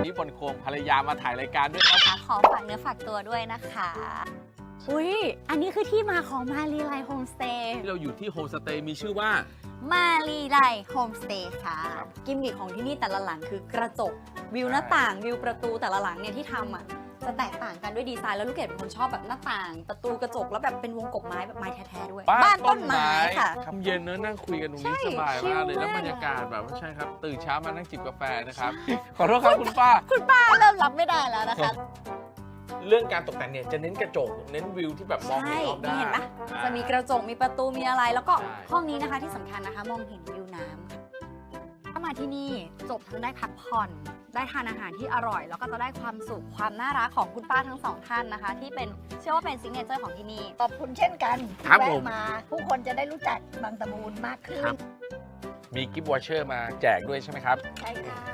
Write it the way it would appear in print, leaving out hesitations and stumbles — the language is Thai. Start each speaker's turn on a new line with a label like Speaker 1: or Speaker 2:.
Speaker 1: นี้บนโคมภรรยามาถ่ายรายการด้วยครับ
Speaker 2: ขอฝากเนื้อฝากตัวด้วยนะคะอุ้ยอันนี้คือที่มาของมารีไลโฮมสเตย์
Speaker 1: ที่เราอยู่ที่โฮมสเตย์มีชื่อว่า
Speaker 2: มารีไลโฮมสเตย์ค่ะ
Speaker 1: ครับ
Speaker 2: กิมมิคของที่นี่แต่ละหลังคือกระจกวิวหน้าต่างวิวประตูแต่ละหลังเนี่ยที่ทำอ่ะจะแตกต่างกันด้วยดีไซน์แล้วลูกเกดเป็นคนชอบแบบหน้าต่างประตูกระจกแล้วแบบเป็นวงกบไม้แบบไม้แท้ๆด้วยบ้านต้นไม้ค่ะ
Speaker 1: ครับเย็นเนอะนั่งคุยกันตรงนี้
Speaker 2: ใช่
Speaker 1: สบายมากเลย
Speaker 2: ชิลมาก
Speaker 1: แล้วบรรยากาศแบบว่าใช่ครับตื่นเช้ามานั่งจิบกาแฟนะครับขอโทษครับคุณป้า
Speaker 2: คุณป้าเริ่มรับไม่ได้แล้วนะคะ
Speaker 1: เรื่องการตกแต่งเนี่ยจะเน้นกระจกเน้นวิวที่แบบมองเห็นรอบด้าน
Speaker 2: เห็นปะจะมีกระจกมีประตูมีอะไรแล้วก็
Speaker 1: ใช่
Speaker 2: ห้องนี้นะคะที่สำคัญนะคะมองเห็นวิวน้ำค่ะถ้ามาที่นี่จบทั้งได้พักผ่อนได้ทานอาหารที่อร่อย แล้วก็จะได้ความสุขความน่ารักของคุณป้าทั้งสองท่านนะคะ ที่เป็นเชื่อว่าเป็นซิกเนเจอร์ของที่นี่
Speaker 3: ขอบคุณเช่นกัน
Speaker 1: ครับผม
Speaker 3: แวะมาผู้คนจะได้รู้จักบางตะบูนมากขึ้น
Speaker 1: มีกิฟต์วอเชอร์มาแจกด้วยใช่ไหมครับ
Speaker 3: ใช่ค่ะ